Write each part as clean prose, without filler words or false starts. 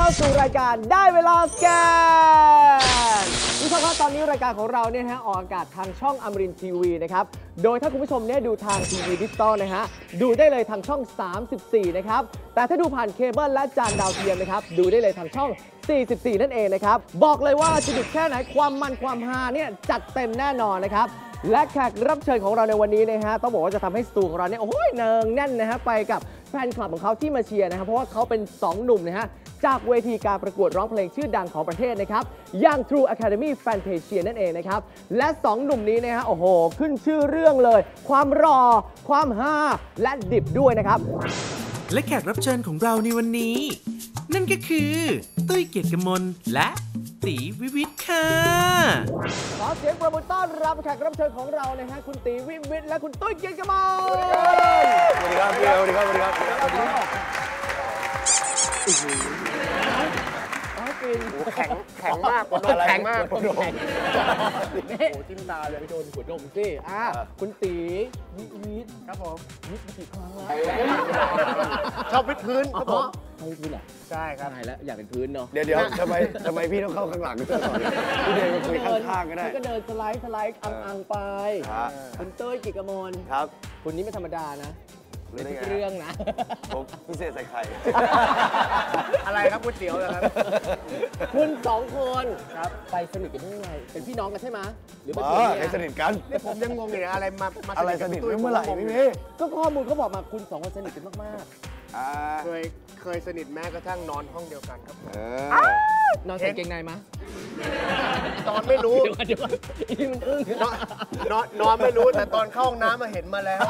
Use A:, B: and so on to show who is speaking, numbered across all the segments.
A: เข้าสู่รายการได้เวลาสแกนคุณผู้ชมครับตอนนี้รายการของเราเนี่ยออกอากาศทางช่องอมรินทร์ทีวีนะครับโดยถ้าคุณผู้ชมเนี่ยดูทางทีวีดิจิตอลนะฮะดูได้เลยทางช่อง34นะครับแต่ถ้าดูผ่านเคเบิลและจานดาวเทียมนะครับดูได้เลยทางช่อง44นั่นเองนะครับบอกเลยว่าจะดุแค่ไหนความมันความฮาเนี่ยจัดเต็มแน่นอนนะครับและแขกรับเชิญของเราในวันนี้นะฮะต้องบอกว่าจะทำให้สตูของเราเนี่ยโอ้ยเนืองแน่นนะฮะไปกับแฟนคลับของเขาที่มาเชียร์นะครับเพราะว่าเขาเป็น2หนุ่มนะฮะจากเวทีการประกวดร้องเพลงชื่อดังของประเทศนะครับอย่าง True Academy Fantasia นั่นเองนะครับและ2หนุ่มนี้นะฮะโอ้โหขึ้นชื่อเรื่องเลยความรอความฮาและดิบด้วยนะครับ
B: และแขกรับเชิญของเราในวันนี้นั่นก็คือตุ้ยเกียรติกมลและตีวิวิทย์ค่ะ
A: ขอเสียงปรบมือต้อนรับแขกรับเชิญของเรานะฮะคุณตีวิวิทย์และคุณตุ้ยเกียรติกมล
C: สวัสดีครับพี่สวัสดีครับสวัสดีครับ
D: แข็งมากคนแข็งมากคนแข็ง
A: โอ้จิ้มตาเลยไปโดนหัวดมสิคุณตีวิวิทย์ครับผมวิทย์มากี่ครั้งแล้ว
D: ชอบวิทย์พื้นครับผม
A: ให้พื้นเหรอ
D: ใช่ครับ
A: ใช่แล้วอยากเป็นพื้นเนาะ
C: เดี๋ยวทำไมพี่ต้องเข้าข้างหลังด้วยก่อนพี่เดินมาคุยข้างๆก็ได้
A: ก็เดินสไลด์อังไปคุณเต้ยกิจกมล
C: ครับ
A: คุณนี่ไม่ธรรมดานะเป็นเรื่องนะ
C: ผมพิเศษใส่ไข่
D: อะไรครับก๋วยเตี๋ยวเหรอครับ
A: คุณ2คนครับไปสนิทกันได้ยังไงเป็นพี่น้องกันใช่ไหมหรือเป็น
C: ใครสนิทกัน
D: นี่ผมยังงงอยู่อะไรมา
C: อะไรสนิทเมื่อไหร่พี่เมย์
A: ก็ข้อมูลเขาบอกมาคุณ2คนสนิทกันมาก
D: ๆเคยสนิทแม้กระทั่งนอนห้องเดียวกันครับ
A: นอนใส่เกงในมั้ย
D: ตอนไม่รู้
A: เดี๋ยวอีมันอึ้ง
D: นอนไม่รู้แต่ตอนเข้าห้องน้ำมาเห็นมาแล้ว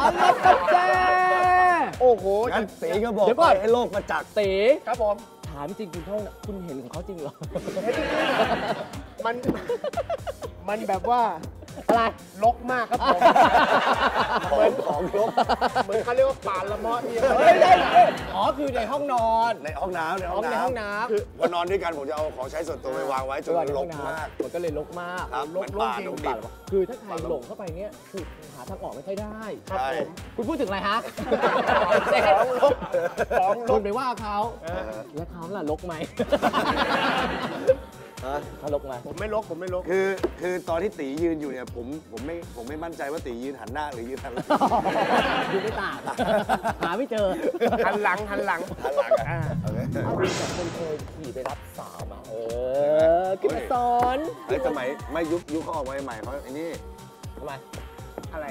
D: โอ้โห
C: ตีก็บอกให้โลกประจักษ์
A: ตี
D: ครับผม
A: ถามจริงคุณเห็นของเขาจริงเหรอ
D: มันแบบว่า
A: อะไร
D: รกมากครับผมเหมือนของรกเหมือนเขาเรียกว่าป่าละเมาะที่
A: ไม่ได้คือในห้องนอน
C: ในห้องน้ำ
A: ในห้องน้ำ
C: คือพอนอนด้วยกันผมจะเอาของใช้ส่วนตัวไปวางไว้จนรกมาก
A: มันก็เลยรกมาก
C: รกป่าจริง
A: คือถ้าใครหลงเข้าไปเนี่ยคือหาทางออกไม่ค่อยได้ครับผมคุณพูดถึงอะไรฮะคุณไปว่าเขาแล้วเขาล่ะรกไหมเขาลกมา
D: ผมไม่ลก
C: คือตอนที่ตียืนอยู่เนี่ยผมไม่มั่นใจว่าตียืนหันหน้าหรือยืนหันหลัง
A: ดูไม่ต่างหาไม่เจอ
D: หันหลัง
A: คุณสองคนเคยขี่ไปรับสาวมาขึ้นมาสอน
C: สมัยไม่ยุคเขาออกมาใหม่เขาไอ้นี่
A: ทำไม
D: อะไร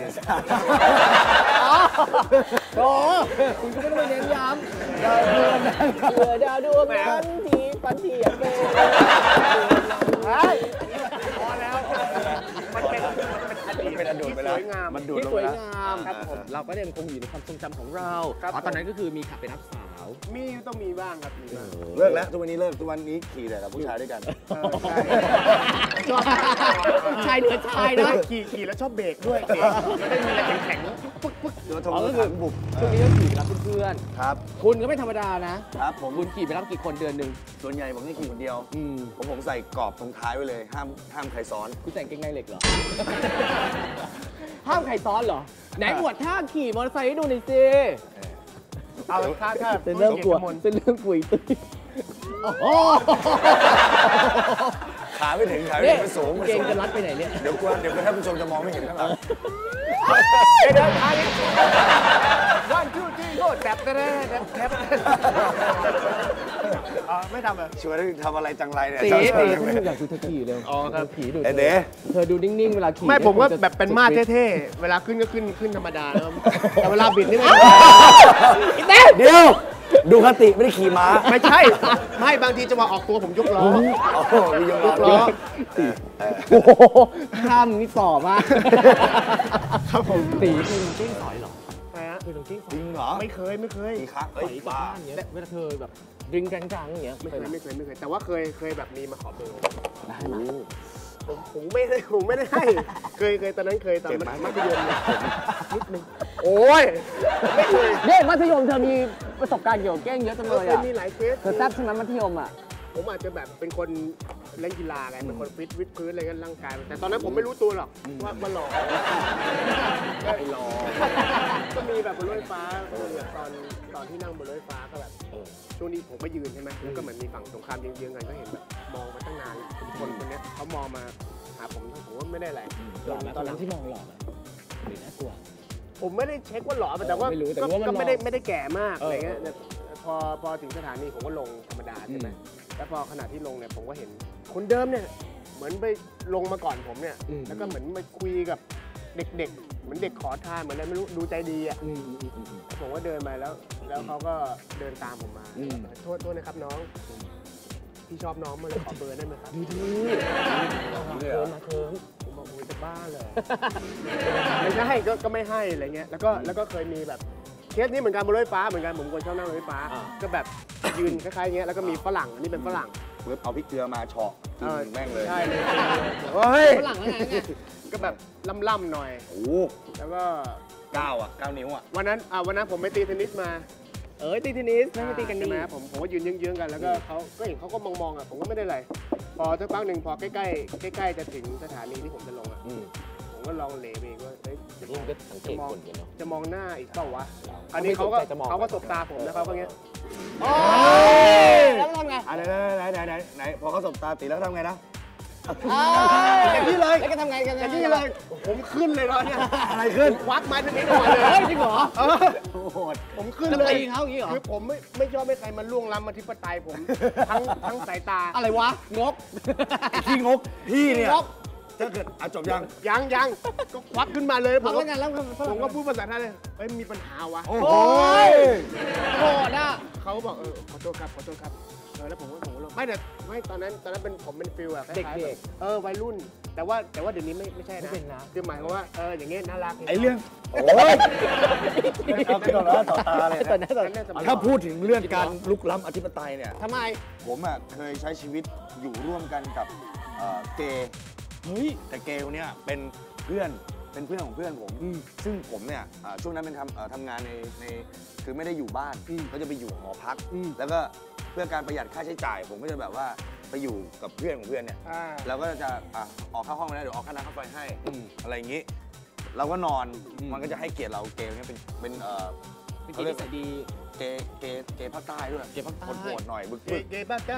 A: โอ้คุณก็ไม่ต้องเน้นย้ำดาวดวงนั้นที่ปันเทียบเลย
D: พอแล้วมัน
C: เป็นอดีตไปแล้ว
A: มันดูสวยงามครับผมเราก็ยังคงอยู่ในความทรงจำของเราตอนนั้นก็คือมีขับไปรับสาว
D: ต้องมีบ้างครับ
C: เลิกแล้วทุกวันนี้เลิกทุกวันนี้ขี่แต่กับผู้ชายด้วยกัน
A: ชายเหนือชายนะ
D: ขี่แล้วชอบเบรกด้วยไม่ได้มีอะไรแข็ง
C: ปึ๊กเดี๋ยวทงก็คือบุก
A: ช่วงนี้ก็ขี่ไปรับเพื่อน
C: ครับ
A: คุณก็ไม่ธรรมดานะครับคุณขี่ไปรับกี่คนเดือนนึง
C: ส่วนใหญ่ผมจะขี่คนเดียวผมใส่กรอบตรงท้ายไว้เลยห้ามใครซ้อน
A: คุณแต่งเกงในเหล็กเหรอห้ามใครซ้อนเหรอไหนอวดท่าขี่มอเตอร์ไซค์ให้ดูหน่อยสิ
D: เอาท่า
A: เป็นเรื่องกลัวเป็นเรื่องกุยตุ้ย
C: ขาไม่ถึงไม่สูง
A: เกงจะรัดไปไหนเนี่ย
C: เดี๋ยวท่านผู้ชมจะมองไม่เห็นข้างหลัง
D: เดินทางนี้วันทูที่โคตรแบบไม่ทำเลย
C: ชวนทำอะไรจังไรเนี่ย
A: ตีอยากดูเธอขี่เร็ว
D: ครับ
A: ขี่ดู
C: เธ
A: อดูนิ่งๆเวลาขี่
D: ไม่ผมก็แบบเป็นมาเท่ๆเวลาขึ้นก็ขึ้นธรรมดาแต่เวลาบิดนี่
C: เดี๋ยวดูคติไม่ได้ขี่ม้า
D: ไม่ใช่ไม่บางทีจะมาออกตัวผมยกล้อ
C: มียกล้อ
A: โอ้โหข้ามนี่ต่อมาก
D: ครับผม
A: ตีคือลงกิ้งสอยเหรอคือลงกิ้ง
C: จริงเหรอ
D: ไม่เคย
C: กี่ครั้ง
A: บ้าอย่างเงี้ยเวลาเธอแบบดึงจังๆอย่างเงี้ย
D: ไม่เคยแต่ว่าเคยแบบมีมาขอเบอร์
A: ได้ไหม
D: ผมไม่ได้ให้เคยตอนนั้นเคยตอนมัธยมนิดนึงโอ้ยไม่เคย
A: เนี่ยมัธยมเธอมีประสบการณ์เกี่ยวกับแกล้งเยอะจังเลยอ่ะ
D: มีหลายเคส
A: เธอแซ่บใช่ไหมมัธยมอ่ะ
D: ผมอาจจะแบบเป็นคนเล่นกีฬาไงเป็นคนฟิตวิดพื้นอะไรกันร่างกายแต่ตอนนั้นผมไม่รู้ตัวหรอกว่าหล่อก็หล่อก็มีแบบบนรถไฟฟ้าตอนที่นั่งบนรถไฟฟ้าก็แบบช่วงนี้ผมไปยืนใช่ไหมแล้วก็เหมือนมีฝั่งตรงข้ามเยื้องๆกันก็เห็นแบบมองมาตั้งนานคนนี้เขามองมาหาผมว่าไม่ได้อะไร
A: หล่อไหมตอนนั้นที่มองหล่อไหมหรือน่ากลัว
D: ผมไม่ได้เช็คว่าหล่อแต่ว่า
A: ไม่รู้แต่ว่ามัน
D: ก็ไม่ได้แก่มากอะไรเงี้ย
A: เออ
D: พอถึงสถานีผมก็ลงธรรมดาใช่ไหมแล้วพอขณะที่ลงเนี่ยผมก็เห็นคนเดิมเนี่ยเหมือนไปลงมาก่อนผมเนี่ยแล้วก็เหมือนไปคุยกับเด็กๆเหมือนเด็กขอทานเหมือนอะไรไม่รู้ดูใจดีอ่ะผมก็เดินไปแล้วเขาก็เดินตามผมมาโทษนะครับน้องพี่ชอบน้องมาเลยขอเบอร์ได้ไหมครับดูมาเคิร์มผมบอกโอ้ยจะบ้าเลยไม่ใช่ก็ไม่ให้อะไรเงี้ยแล้วก็เคยมีแบบเคสนี้เหมือนกันบนรถไฟฟ้าเหมือนกันผมคนชอบนั่งรถไฟฟ้าก็แบบยืนคล้ายๆเงี้ยแล้วก็มีฝรั่งอันนี้เป็นฝรั่ง
C: เว็บเอาพริกเกลือมาเฉาะกินแม่งเลย
D: ใช่เลย
C: เฮ้ย
A: ฝรั่งแล้วไงเนี่ย
D: ก็แบบล่ำๆหน่อย
C: โอ้
D: แล้วก็
C: 9 นิ้วอ่ะ
D: วันนั้นผมไปตีเทนนิสมา
A: ตีเทนนิสไม่ตีกัน
D: ใช่
A: นี่
D: ไหมผมก็ยืนเยื้องๆกันแล้วก็เขาก็เห็นเขาก็มองอ่ะผมก็ไม่ได้อะไรพอสักพักหนึ่งพอใกล้จะถึงสถานีที่ผมจะลงอ่ะผมก็ลองเหลไปเองว่าเฮ้ย
A: นี่มันก็สังเกตคนกันเนาะ
D: จะมองหน้าอีกเปล่าวะอันนี้เขาก็สบตาผมแล้วเขาก็เงี้ย
A: แล้วทำไง
C: ไหนพอเขาสบตาตีแล้วทำไงนะ
A: อย่างนี้เลยแล้วก็ทำไงกัน
D: อย่างนี้เลยผมขึ้นเลยตอนเนี้ย
C: อะไรขึ้น
D: ควักไม้เทนนิสก่อนเลย
A: เฮ้ยจริงเหรอ
C: โหด
D: ผมขึ้น
A: จะ
D: เลย
A: ตีเขาอย่างนี้เหรอ
D: คือผมไม่ชอบให้ใครมาล่วงล้ำอธิปไตยผมทั้งสายตา
A: อะไรวะงก
C: พี่งกพี่เนี่ย
A: งก
C: ถ้าเกิดจบยัง
D: ยังก็ควักขึ้นมาเลยผม
A: ทำ
D: ก็
A: ไงแล้ว
D: ผมก็พูดภาษาไทยเลยเฮ้ยมีปัญหาวะ
C: โอ้โห
A: โอ้ยโกรธอ่ะ
D: เขาก็บอกขอโทษครับแล้วผมก็ไม่ตอนนั้นเป็นผมเป็นฟิลอะคล้ายๆ
A: เด็ก
D: แบบวัยรุ่นแต่ว่าเดี๋ยวนี้ไม่ใช่นะ
A: ไม่เป็นนะ
D: คือหมายความว่าอย่างเงี้ยน่ารัก
C: ไอ้เรื่องโอ้ยเอาขึ้นต่อหน้าต่อตาเลย
A: ตอน
C: นะ
A: นั้น
C: ถ้าพูดถึงเรื่องการลุกล้ำอธิปไตยเนี่ย
A: ทำไม
C: ผมอ่ะเคยใช้ชีวิตอยู่ร่วมกันกับเกย์
A: เฮ้ย
C: แต่เกย์คนเนี้ยเป็นเพื่อนของเพื่อนผม ซึ่งผมเนี่ยช่วงนั้นเป็นทำงานในคือไม่ได้อยู่บ้านก็จะไปอยู่หอพัก แล้วก็เพื่อการประหยัดค่าใช้จ่าย ผมก็จะแบบว่าไปอยู่กับเพื่อนของเพื่อนเนี่ยเราก็จะออกค่าห้องไปแล้วเดี๋ยวออกค่าน้ำค่าไฟให้อะไรอย่างนี้ เราก็นอนมันก็จะให้เกียรติเราเกย์เนี่ยเป็น
A: เป็นกิจนิสัยดี
C: เกย์ภาคใต้ด้วย
A: เกย์ภาคใต้
C: โหดๆหน่อยบึก
D: เกย์บ้าใช่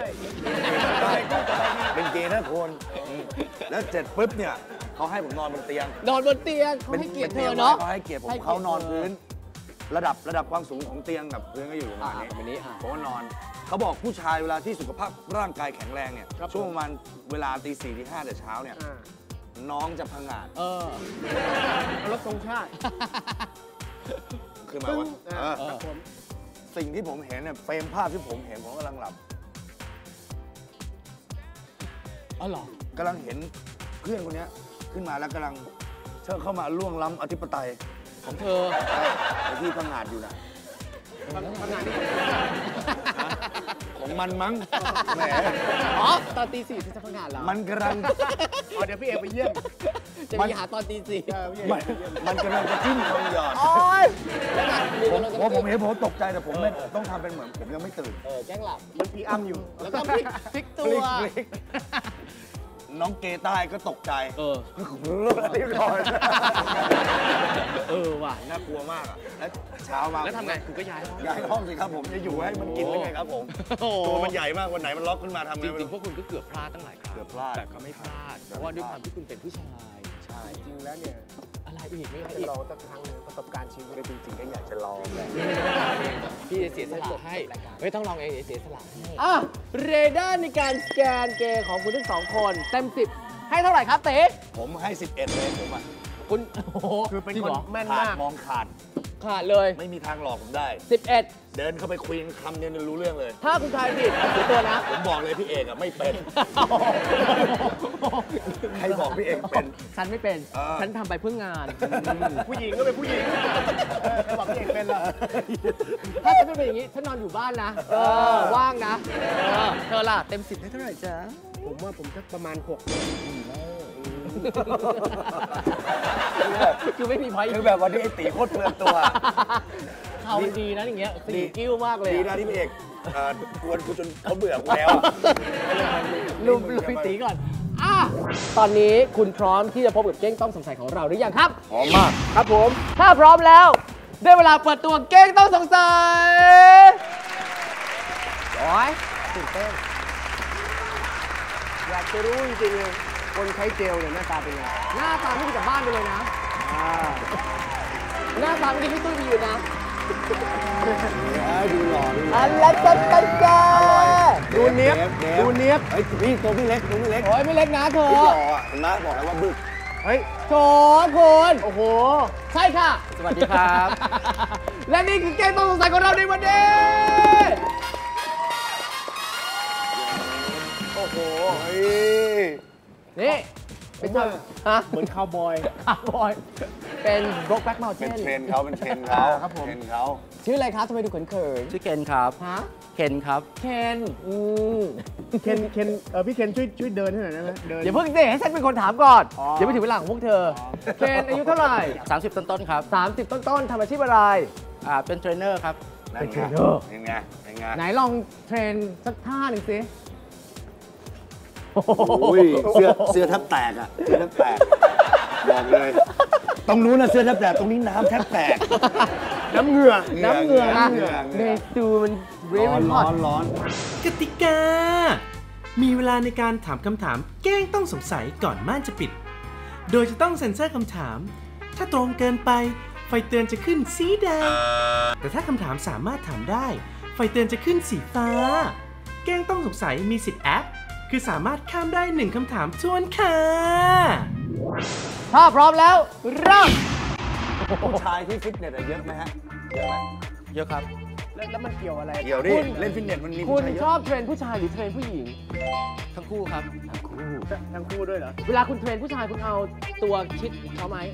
C: เป็นเกย์นะคนแล้วเสร็จปุ๊บเนี่ยเขาให้ผมนอนบนเตียง
A: นอนบนเตียงเขาให้เกียรติเธอเนาะ
C: เขาให้เกียรติผม
A: ให้เกียรติ
C: เขานอนพื้น ระดับความสูงของเตียงกับพื้นก็อยู่ประมาณนี้
A: แบบนี้
C: ผมก็นอนเขาบอกผู้ชายเวลาที่สุขภาพร่างกายแข็งแรงเนี่ยช่วงประมาณเวลาตี 4 ตี 5แต่เช้าเนี่ยน้องจะพังงาด
D: รถธงชาติ
C: คือหมายว่า
D: ครับผม
C: สิ่งที่ผมเห็นเนี่ยเฟรมภาพที่ผมเห็นผมกำลังหลับ
A: อ๋อเหรอก
C: ำลังเห็นเพื่อนคนนี้ขึ้นมาแล้วกำลังเข้ามาล่วงล้ำอธิปไตย
A: ของเธอ
C: ไอ้ที่พังงาดอยู่นะ
D: ทำงานนี่
C: ของมันมั้งแหม
A: อ๋อตอนตี 4ที่จะพังงานเรา
C: มันกำลัง
D: เดี๋ยวพี่เอกไปเยี่ยม
A: จะมีหาตอนตี 4
D: พี่เอกไปเยี่ยม
C: มันกำลังจะจิ้มคำหยอด
A: โอ๊ยแล้วไง
C: ผมเห็นผมตกใจแต่ผมไม่ต้องทำเป็นเหมือนผมยังไม่ตื่น
A: แกล้งหลับ
D: มันพี่อ้ำอยู่
A: แล้วก็พลิกตัว
C: น้องเกใต้ก็ตกใจ
D: เรียบร้อย
A: ว่ะ
C: น่ากลัวมากอ่ะแล้วเช้ามา
A: แล้วทำไงคุณก็ย้ายห้อง
C: ย้ายห้องสิครับผมจะอยู่ให้มันกินได้ไงครับผม
A: โอ้โห
C: ตัวมันใหญ่มากวันไหนมันล็อกขึ้นมาทำ
A: จ
C: ไงไม่
A: ริง
C: รู้
A: ๆพวกคุณก็เกือบพลาดตั้งหลายครั้ง
C: เกือบพลาด
A: แต่ก็ไม่พลาด เพราะว่าด้วยความที่คุณเป็นผู้ชาย
C: ใช่
D: จริงแล้วเนี่ย
A: อะไรอีกไม่
D: จะ
A: อีก
D: ลองสักครั้งหนึ่งประสบการณ์ชีวิต
C: จริงๆก็อยากจะลองแหละ
A: พี่จะเสียสละให้ไม่ต้องลองเองเสียสละให้เรดาร์ในการสแกนเกย์ของคุณทั้งสองคนเต็ม 10 ให้เท่าไหร่ครับเต๋
C: ผมให้ 11 เลยผมอ่ะ
A: คุณโอ้โห
D: คือเป็น
A: จริง
D: คน
A: เหรอ
D: แม่น
C: ขาด
D: มาก
C: มองขาด
A: ขาดเลย
C: ไม่มีทางหลอกผมได้
A: 11
C: เดินเข้าไปคุยกันคำเดียวเนี่ยรู้เรื่องเลย
A: ถ้าคุณทายผิดเสียตัวนะ
C: ผมบอกเลยพี่เอกอ่ะไม่เป็น ใครบอกพี่เอกเป็น
A: ฉันไม่เป็น
C: เออ
A: ฉันทำไปเพื่องาน
D: ผู้หญิงก็เป็นผู้หญิงใครบอกพี่เอกเป็นล่ะ
A: ถ้าฉันไม่เป็นอย่างนี้ ฉันนอนอยู่บ้านนะ ว่างนะ เธอล่ะ เต็ม 10 ให้เท่าไหร่จ๊ะ
D: ผมว่าผมสักประมาณ 6
A: คือไม่มีพอย
C: คือแบบวันนี้ไอ้ตีโคตรเปลืองตัว
A: เขาดีนะอย่างเงี้ยสีกิ้วมากเลย
C: ดีนะที่พี่เอกกวนกูจนเขาเบื่อกูแล้ว
A: ลุมพี่ตีก่อนตอนนี้คุณพร้อมที่จะพบกับเก้งต้องสงสัยของเราหรือยังครับ
C: หอมมาก
A: ครับผม ถ้าพร้อมแล้ว ได้เวลาเปิดตัวเก้งต้องสงสัยโอ้ยตื่นเต้น
D: อยากจะรู้จริงๆเลยคนใช้เจลเนี่ยหน้าตาเป็นไง
A: หน้าตาไม่ดีกลับบ้านไปเลยนะ หน้าตาไม่ดีพี่ตุ้ยมีอยู่นะ
C: ดูหล่อดูหล่อ
A: อันละจันตันแก
D: ดูเนี้ยบดูเนี้ยบ
C: เฮ้ยพี่ตัวไม่เล็กตัวไม่เล็ก
A: โอ้ยไม่เล็กนะเธอ
C: หล่ออ่ะเห็นไหมบอกแล้วว่าบึก
D: เฮ้ย
A: โถคุณ
D: โอ้โห
A: ใช่ค่ะ
B: สวัสดีครับ
A: และนี่คือเกมต้องสงสัยของเราในวันนี้
D: โอ้โห
C: เฮ้ย
A: นี่เป็นชาวฮะ
D: เหมือนคาวบอย
A: คาร์บอยเป็นโบล็อกแบ็กเมลเท
C: เป็น
A: น
C: เทรนเขาเป็นเทรนเขา
D: ครับผม
C: เทรนเขา
A: ชื่ออะไรครับทำไมดูเขิน
B: ชื่อเคนครับ
A: ๆฮะ
B: เคนครับ
A: เคน
D: เคนพี่เคนช่วยเดินให้หน่อยได้ไหมเดิน
A: อย่าเพิ่งสิให้ฉันเป็นคนถามก่อน
D: อ๋อ
A: เดี๋ยวไม่ถึงเวลาของพวกเธอ เคนอายุเท่าไหร่
B: 30 ต้นๆครับ
A: 30 ต้นๆทำอาชีพอะไร
B: เป็นเทรนเนอร์ครับ
C: นั่นไงเป็นไงเป็นไง
A: ไหนลองเทรนสักท่าหนึ่งสิ
C: โอ้ยเสื้อแทบแตกอ่ะเสื้อแทบแตกบอกเลยตรงนู้นนะเสื้อแทบแตกตรงนี้น้ำแทบแตก
D: น้ำเหงื่อ
A: น้ำเหงื่อนะ
C: เหงื่อ
A: เบสูมันเร
C: ร้อน
A: นฮ
C: ร้
A: อ
C: อ
A: ต
C: นร้อน
B: กติกา มีเวลาในการถามคำถามแกล้งต้องสงสัยก่อนม่านจะปิด โดยจะต้องเซ็นเซอร์คำถาม ถ้าตรงเกินไป ไฟเตือนจะขึ้นสีแดง แต่ถ้าคำถามสามารถถามได้ ไฟเตือนจะขึ้นสีฟ้า แกล้งต้องสงสัยมีสิทธิ์แอป คือสามารถข้ามได้1คำถามทวนค่ะ
A: ถ้าพร้อมแล้วเริ่ม
C: ผู้ชายที่ฟิตเนสอะเยอะไหมฮะเยอะไหม
B: เยอะครับ
D: แล้วมันเกี่ยวอะไร
C: เดี๋ยวดิเล่นฟิตเนสมันมี
A: คุ
C: ผู้
A: ณ
C: ชายเย
A: ช
C: อะ
A: อบเทรนผู้ชายหรือเทรนผู้หญิง
B: ทั้งคู่ครับ
D: ทั้งคู่ด้วยเหรอ
A: เวลาคุณเทรนผู้ชายคุณเอาตัวชิดเขาไหม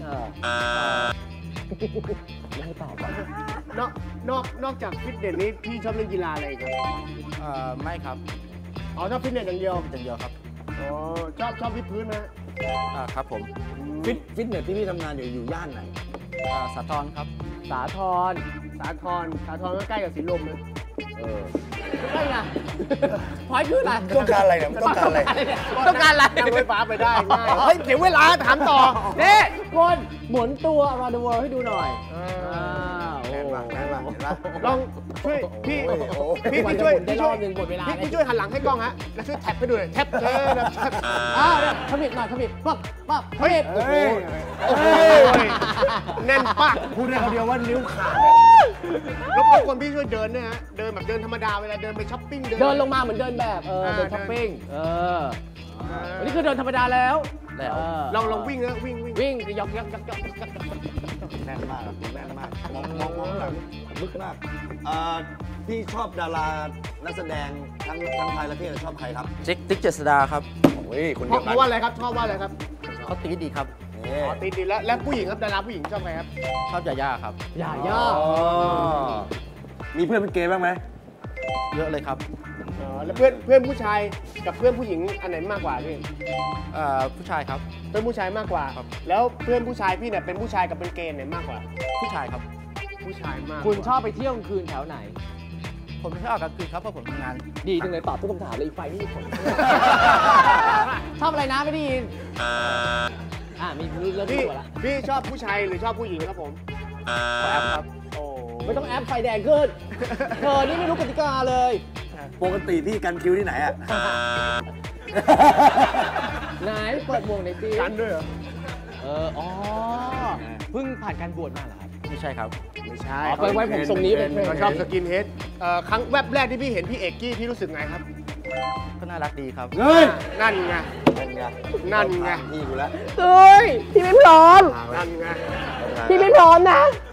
A: ไม่ให้ตอบก่อน
D: นอกจากฟิตเนสนี้พี่ชอบเล่นกีฬาอะไรอีกครับ
B: ไม่ครับ
D: อ๋อชอบฟิตเนสอย่างเดียว
B: อย่างเดียวครับ
D: อ๋อชอบวิดพื้นไหม
B: ครับผม
C: ฟิตเนสที่พี่ทำงานอยู่ย่านไหน
B: สาทรครับ
A: สาธร
D: สาทรก็ใกล้กับสีลมเลย
A: ใช่ไงพอยคืออะไร
C: ต้องการอะไรเนี่ยมันต้องการอะไร
A: ต้องการอะไร
D: นั่งไฟฟ้าไปได้ง่ายเฮ้ยเสียเวลาถามต่อ
A: นี่คนหมุนตัว around the world ให้ดูหน่อย
C: แน่นมากแน่นมากเห็นปะ
D: ลองช่วยพี่
C: โอ้โห
A: กว่าจะหมุนได้รอบหนึ่งหมดเวลา
D: พี่ช่วยหันหลังให้กล้องฮะแล้วช่วยแท็บไปด้วยแท็บนะแท็บ
A: เนี่ยขมิบหน่อยขมิบปั๊บปั๊บขมิบ
D: โอ้โหโอ้โหแน่นปาก
C: พูดได้คำเดียวว่านิ้วขาด
D: รบกวนพี่ช่วยเดินด้วยฮะเดินแบบเดินธรรมดาเวลาเดินไปช้อปปิ้ง
A: เดินลงมาเหมือนเดินแบบเดินช้อปปิ้งวันนี้คือเดินธรรมดาแล้ว
D: ลองวิ่งนะวิ่ง
A: วิ่งยก
C: แน่นมากครับแน่นมากมองหลังลึกมากพี่ชอบดารานักแสดงทั้งไทยและเทศชอบใครครับ
B: ติ๊กเจษดาครับ
C: โอ้ยคน
D: เพ
C: เดียว
D: ราะว่าอะไรครับชอบว่าอะไรครับ
B: เขาตีดีครับ
C: นี่
D: อ๋อตีดีแล้วผู้หญิงครับดาราผู้หญิงชอบใครครับ
B: ชอบยาย่าครับ
A: อย่าย่อ
C: มีเพื่อนเป็นเกย์บ้างไหม
B: เยอะเลยครับ
D: อ๋อแล้วเพื่อนผู้ชายกับเพื่อนผู้หญิงอันไหนมากกว่าพี่
B: ผู้ชายครับ
D: เพื่อนผู้ชายมากกว่า
B: ครับ
D: แล้วเพื่อนผู้ชายพี่เนี่ยเป็นผู้ชายกับเป็นเกย์ไหนมากกว่า
B: ผู้ชายครับ
D: ผู้ชายมากกว่า
A: คุณชอบไปเที่ยวกลางคืนแถวไหน
B: ผมไม่ชอบออกกลางคืนครับเพราะผมทำงาน
A: ดีจังเลยตอบทุกคำถามเลยอีกไฟไม่มีผล ชอบอะไรนะไม่ได้ยินมีเรื่อง
D: พี่
A: ตัวละ
D: พี่ชอบผู้ชายหรือชอบผู้หญิงครับผม
B: ขอแอปครับ
D: โอ้
A: ไม่ต้องแอปไฟแดงขึ้นเธอนี่ไม่รู้กติกาเลย
C: ปกติพี่กันคิวที่ไหนอะ
A: ไหนเปิดหมวกหน่อยสิ
D: กันด้วยเหรอ
A: เพิ่งผ่านการบวชมาเหรอครับ
B: ไม่ใช่ครับ
D: ไม่ใช่
A: ไปไว้ผมทรงนี้เป็น
D: เขาชอบสกินเฮดครั้งแวบแรกที่พี่เห็นพี่เอกกี้พี่รู้สึกไงครับ
B: ก็น่ารักดีครับ
C: เฮ้ย
D: นั่นไง
C: นั่นไง
D: นั่นไง
C: พี่กูแล้ว
A: เฮ้ยพี่ไม่พร้อม
D: นั่นไง
A: พี่ไม่พร้อมนะ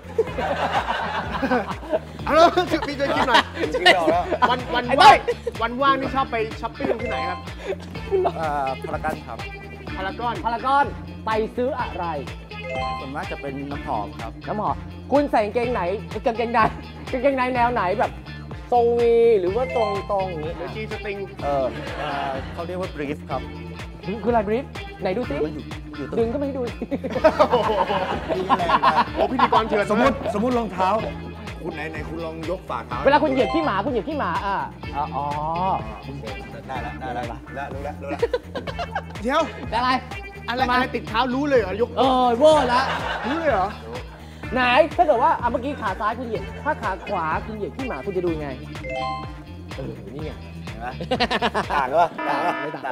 D: เอาแล้วพี่ช่วยคิดหน่อย
C: คิดออกแล้ว
D: วันว่างนี่ชอบไปช้อปปิ้งที่ไหนครับ
B: พารากอนครับ
D: พารากอน
A: พารากอนไปซื้ออะไร
B: ส่วนมากจะเป็นน้ำหอมครับ
A: น้ำหอมคุณใส่กางเกงไหนกางเกงในแนวไหนแบบทรงวีหรือว่าตรงอย่างนี้
D: หรือจีสติง
B: เขาเรียกว่าบรีฟครับ
A: คืออะไรบริฟไหนดูสิ
B: มันอยู่ตรง
A: ดึงก็ไม่ให้ดูสิ
C: พี่ก็แรงไป
D: โอ้พิธีกรเถื่อน
C: สมมติรองเท้าคุณไหนคุณลองยกฝ่าเท้า
A: เวลาคุณเหยียบขี้หมาคุณเหยียบขี้หมาอ๋อ
C: ได้แล้วรู้แล้ว
D: เดี๋ยว
A: อะไร
D: อะไรติดเท้ารู้เลยเหรอยก
A: เวอร์ละ
D: รู้เลยเหรอ
A: ไหนถ้าเกิดว่าเมื่อกี้ขาซ้ายคุณเหยียบถ้าขาขวาคุณเหยียบขี้หมาคุณจะดูยังไงนี่ไง
C: ต่างปะ
A: ไม่ต่าง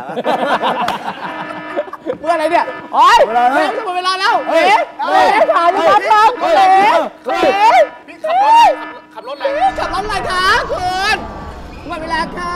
A: เมื่ออะไรเนี่ยโอ๊ยเร็วจะหมดเวลาแล้วเอ๋ถ่ายนะครับครับเอ๋
D: พี่ขับรถอะไร
A: ขับรถอะไรคะคุณหมดเวลาค่ะ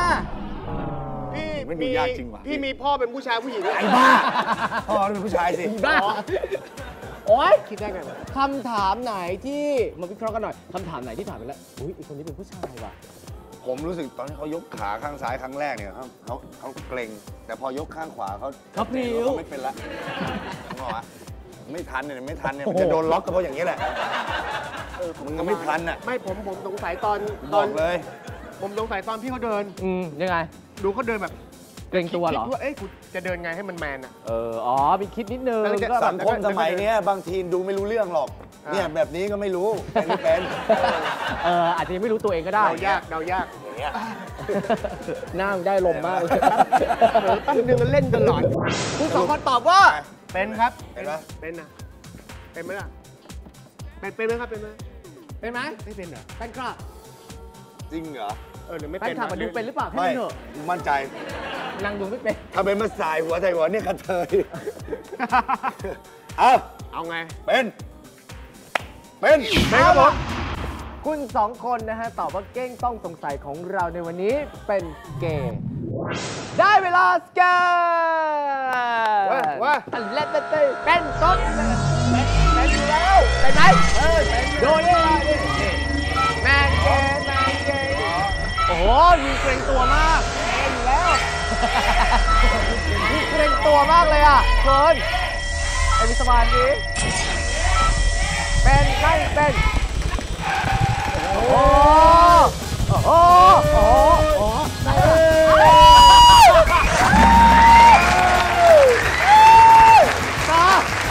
D: พี่มีพ่อเป็นผู้ชายผู้หญิง
C: ไอ้บ้าพ่อเป็นผู้ชายสิ
A: บ้าโอ๊ย
D: คิดได้ไงวะ
A: คำถามไหนที่มาวิเคราะห์กันหน่อยคำถามไหนที่ถามไปแล้วอุ้ยอีกคนนี้เป็นผู้ชายว่ะ
C: ผมรู้สึกตอนที่เขายกขาข้างซ้ายครั้งแรกเนี่ยเขาเกรงแต่พอยกข้างขวาเขาพริ้วเขาไม่เป็นละงอไม่ทันเนี่ยมันจะโดนล็อกก็เพราะอย่างนี้แหละมึงก็ไม่ทันอ่ะ
D: ไม่ผมสงสัยตอน
C: บอกเลย
D: ผมสงสัยตอนพี่เขาเดิน
A: ยังไง
D: ดูเขาเดินแบบ
A: เกรงตัวเหรอ
D: คิดว่ากูจะเดินไงให้มันแมนอ่ะ
A: มีคิดนิดนึง
D: แล้วจะ
A: ก็
C: สังคมสมัยนี้บางทีดูไม่รู้เรื่องหรอก เนี่ยแบบนี้ก็ไม่รู้เป็นไม่เป็น
A: อาจจะยังไม่รู้ตัวเองก็ได้
D: เดายาก
C: อย่างเงี้ย
A: หน้ามึงได้ลมมากเลย
D: แป๊บนึงมันเล่นตลอด
A: คุณสองคนตอบว่า
D: เป็นครับ
C: เห็นปะ
D: เป็นนะเป็นไหมล่ะเป็นไหมครับเป็นไหม
A: เป็นไหม
D: ไม่เป็นเหรอ
A: แฟนคลับ
C: จริงเหรอ
D: หรือไม่
A: แฟ
D: เป็น น
A: คลับมาดูเป็นหรือเปล่าแค่
C: ไม่
A: นั้นเถอะ
C: มั่นใจ
A: นางดูไม่เป็น
C: ถ้าเป็นมาสายหัวใจหัวเนี่ยกระเทย
D: เอาไง
C: เป็น
A: ครับผมคุณสองคนนะฮะตอบว่าเก้งต้องสงสัยของเราในวันนี้เป็นเกย์ได้เวลาสแกน
D: ว่า
A: และเป็นต้นเป็นอยู่แล้วเป็นไหมโดนได้เลยแมนเกย์โอ้โหมีเกรงตัวมากเกย์อยู่แล้วมีเกรงตัวมากเลยอ่ะเกินไอ้มิสมานนี้เป็นไม่เป็นโอ้โหโอ้โหโอ้โหต่อ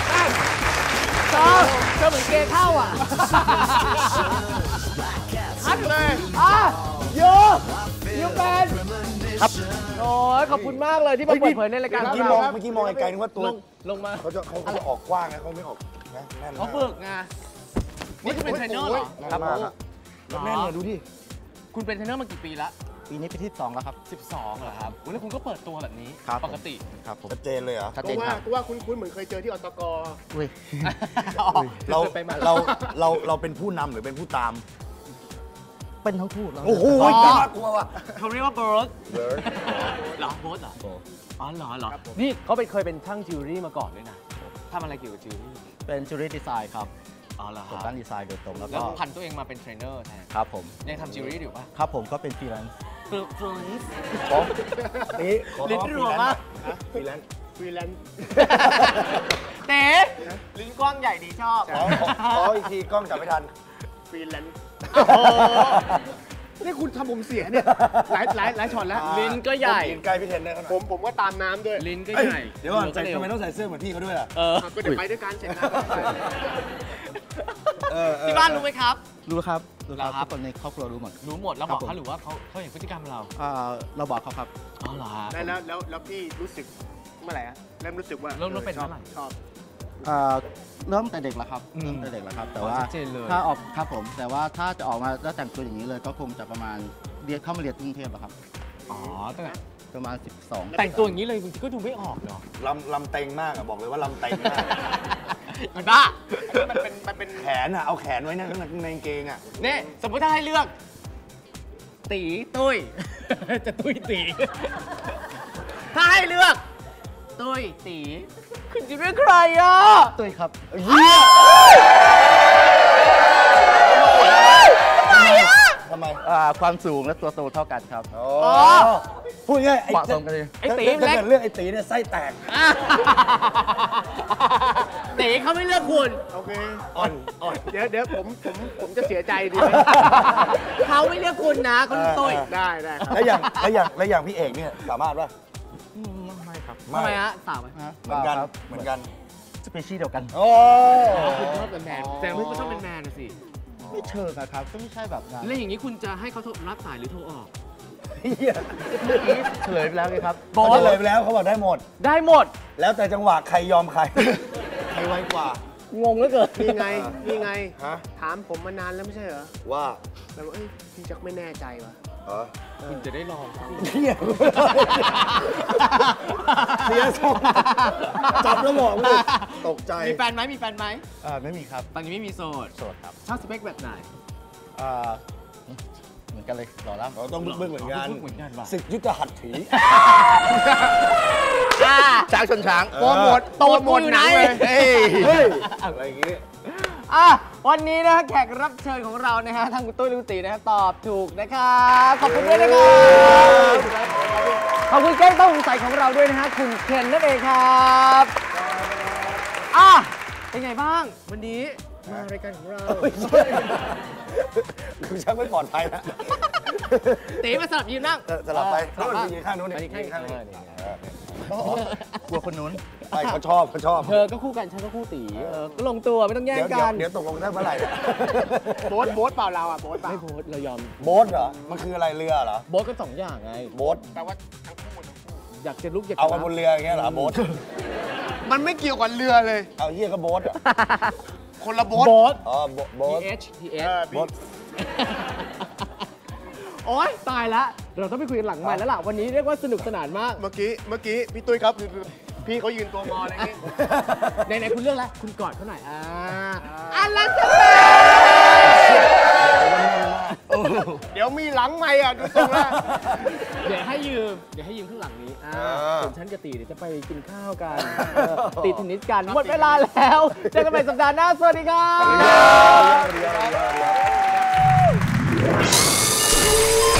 A: เธอเหมือนเกย์เข้าอ่ะชัดเลยยูเป็นครับโอ้ยขอบคุณมากเลยที่มาเปิดเผยในรายการ
C: เมื่อกี้มองไกลๆนึกว่าตัว
A: ลงมา
C: เขาจะออกกว้างนะเขาไม่ออกนะแน่น
A: เขาฝึกไงนี่คุณเป็นเทรนเนอร์เหรอ
C: ครับมากครับแน่นเลยดูดิ
A: คุณเป็นเทรนเนอร์มากี่ปีละ
E: ปีนี้ปีที่2แล้วครับ
A: 12เหรอครับแล้วคุณก็เปิดตัวแบบนี้
E: ครับ
A: ปกติ
E: ครับผม
C: ชัดเจนเลยเหรอ
E: ชัด
D: กู
E: เจน
D: ว่า
E: ครับ
D: กูว่าคุ้นๆเหมือนเคยเจอที่อตก
E: อุ้ย
C: เราเป็นผู้นำหรือเป็นผู้ตาม
E: เป็นทั้งคู่แล้ว
C: โอ้โห
A: อ๋อ
C: น่ากลัวว่ะ
A: เขาเรียกว่าเบิร์ดเหรอเบิร์ดเหรออ๋อเหรอนี่เขาเคยเป็นช่างจิวเวลรี่มาก่อนด้วยนะทำอะไรเกี่ยวกับจิวเวลรี่
E: เป็นจูรี่ดีไซน์ครับ
A: อ๋อเหรอ
E: ผมตั้งดีไซน์โดยตรงแล้ว
A: แล้ว
E: ก็
A: ผันตัวเองมาเป็นเทรนเนอร์แทน
E: ครับผม
A: ยังทำจิวเวลรี่อยู่ป่ะ
E: ครับผมก็เป็นฟรีแลนซ์
A: ฟรีแลนซ์
C: นี่ขอ
A: ลิ้นรัวมาก
C: ฟรีแลนซ์
D: ฟรีแลนซ์
A: เต๋ลิ้นกว้างใหญ่ดีชอบ
C: ขออีกทีกล้องจับไม่ทัน
D: ฟรีแลนซ์
A: โอ้โห
D: นี่คุณทำผมเสียเนี่ยหลายช็อตแล้ว
A: ลิ้นก็ใหญ่
C: ยืนใกล้พี่เทนเนอร์เขาหน่อย
D: ผมก็ตามน้ำด้วย
A: ลิ้นก็
C: เอ้ย
A: ใหญ่
C: เดี๋ยวก่อนทำไมต้องใส่เสื้อเหมือนพี่เขาด้วยล่ะ
D: ก็จะไปด้วยกันเสร็จแล้ว
A: ที่บ้านรู้ไหมครับ
E: รู้ครับรู้ครับ
A: เหรอครับ
E: ทุกคนในครอบครัวรู้หมด
A: รู้หมดแล้วบอก
E: ครับผม
A: เขาหรือว่าเขาเห็นพฤติกรรมเรา
E: เราบอกเขาครับ
A: อ๋อเหรอฮะ
D: แล้วพี่รู้สึกเมื่อไหร่อะเริ่มรู้สึกว่า
A: เริ่มเป็นเมื่อไหร่
D: ชอบ
E: เริ่มแต่เด็กแล้วครับเริ่มแต่เด็กแล้วครับ แต่ว่า
A: ชัดเจนเลย
E: ถ้าออกครับผมแต่ว่าถ้าจะออกมาแล้วแต่งตัวอย่างนี้เลยก็คงจะประมาณเข้ามาเรียนกรุงเทพแล้วครับ
A: อ๋อตั้งแต่
E: ประมาณ 12
A: แต่งตัวอย่างนี้เลยบางทีก็ดูไม่ออกเนาะ
C: ลำเต็งมากอะบอกเลยว่าลำเต็งมาก
A: มันบ้า
D: มันเป็น
C: แขนอะเอาแขนไว้นะข้างในกางเกงอะ
A: เนี่ยสมมติถ้าให้เลือก ตีตุ้ย จะตุ้ยตี ถ้าให้เลือก ตุ้ยตีคุณจะเลือกใครอ่ะ
E: ตุ้ยครับ
C: เยี่ยทำไม
E: ความสูงและตัวโตเท่ากันครับ
C: อ๋อพูดง่าย
E: เหมาะสมกันเลย
A: ไอ้ตี
C: ถ้า
A: เล็ก
C: เกิดเลือกไอ้ตีเนี่ยไส้แตก
A: ตีเขาไม่เลือกคุณ
D: โอเค
C: อ่อน
D: เดี๋ยวผมจะเสียใจดีไหม
A: เขาไม่เลือกคุณนะคุณตุ้ย
D: ได้ครับ
C: แล้วอย่างพี่เอกเนี่ยสามารถป่ะ
E: ไม่ครับ
A: ทำไมฮะสาวไหม
C: เหมือนกัน
E: ครับ
C: เหมือนกัน
E: สเปเชียลเดียวกัน
C: โอ้
A: คุณชอบเป็นแมนแต่ไม่ชอบเป็นแมนนะสิ
E: ไม่เชิงอะครับก็ไม่ใช่แบบนั้น
A: แล้วอย่างนี้คุณจะให้เขาโทรรับสายหรือโทรออก
C: เหี้ย
E: เมื่อกี้เฉลยไปแล้วไงครับ
A: บอส
C: เขาเลยไปแล้วเขาบอกได้หมด
A: ได้หมด
C: แล้วแต่จังหวะใครยอมใคร ใครไวกว่า
A: งงเหลือเกิน
D: นี่ไง นี่ไง
C: ฮะ
D: ถามผมมานานแล้วไม่ใช่เหรอ
C: ว่า
D: แล้วเอ้ยพี่จักไม่แน่ใจวะ
C: เออ
A: คุณจะได้ลองฟัง
C: เหี้ยเสียทรงจับแล้วบอกเลยตกใจ
A: มีแฟนไหมมีแฟนไหม
E: ไม่มีครับ
A: ตอนนี้ไม่มีโสด
E: โสดครับ
A: ชอบสเปคแบบไหน
E: อ่าเหมือนกันเลยหล่อแล้ว
C: เราต้องบึ้งๆเหมือนกัน
A: เหมือนกันว่ะ
C: ศึกยุทธหัตถี
E: ช้างชนช้าง
C: โปรโมท
A: โตดกูอยู่ไหน
C: เฮ้ยอะไรอย่างงี้
A: วันนี้นะแขกรับเชิญของเรานะฮะทั้งคุณตุ้ยและคุณตีนะฮะตอบถูกนะครับขอบคุณด้วยนะครับขอบคุณแก้งต้องสงสัยของเราด้วยนะฮะคุณเคนนั่นเองครับเป็นไงบ้าง วันนี้มารายการของเรา
C: ดูชักไม่ปลอดภัยแล้ว
A: ตีมาสลับยืนนั่ง
C: สลับไป
A: สลับ
C: ไป
A: บ้าง
C: ยืนข้างนู้น
A: ไป
C: นี่
A: ยืนข้าง
C: นี้
E: กลัวคนนู้น
C: ไปเขาชอบเขาชอบ
A: เธอก็คู่กันฉันก็คู่ตีก็ลงตัวไม่ต้องแย่งกัน
C: เดี๋ยวตกลงได้เมื่อไหร่เนี่ย
D: โบ๊ทเปล่าเราอ่ะโบ๊ทเปล่า
A: ไม่โพสต์เรายอม
C: โบ๊ทเหรอ มันคืออะไรเรือเหรอ
A: โบ๊ทก็สองอย่างไง
C: โบ๊ท
D: แปลว่าทั้งคู่
A: อยากจะลุกอยาก
C: เอา
A: จะ
C: มาบนเรืออย่างเงี้ยเหรอโบ๊ท
D: มันไม่เกี่ยวกับเรือเลย
C: เอาเหี้ยก็โบ๊ทเหรอ
D: คนละโบ๊ท
A: โบ๊ท
C: อ๋อโบ๊ท
A: TH
D: เออ
C: โบ๊ท
A: โอ๊ยตายแล้วเราต้องไปคุยกันหลังใหม่แล้วล่ะวันนี้เรียกว่าสนุกสนานมาก
D: เมื่อกี้พี่ตุ้ยครับพี่เขายืนตัวงออะไรอย่างงี้
A: ไหนๆคุณเลือกแล้วคุณกอดเขาหน่อยลัสเป
D: เดี๋ยวมีหลังใหม่อ่ะดูตรงแล้ว
A: เดี๋ยวให้ยืมข้างหลังนี้ส่วนฉันกับตีเดี๋ยวจะไปกินข้าวกันตีเทนนิสกันหมดเวลาแล้วเจอกันใหม่สัปดาห์หน้าสวัสดีครับ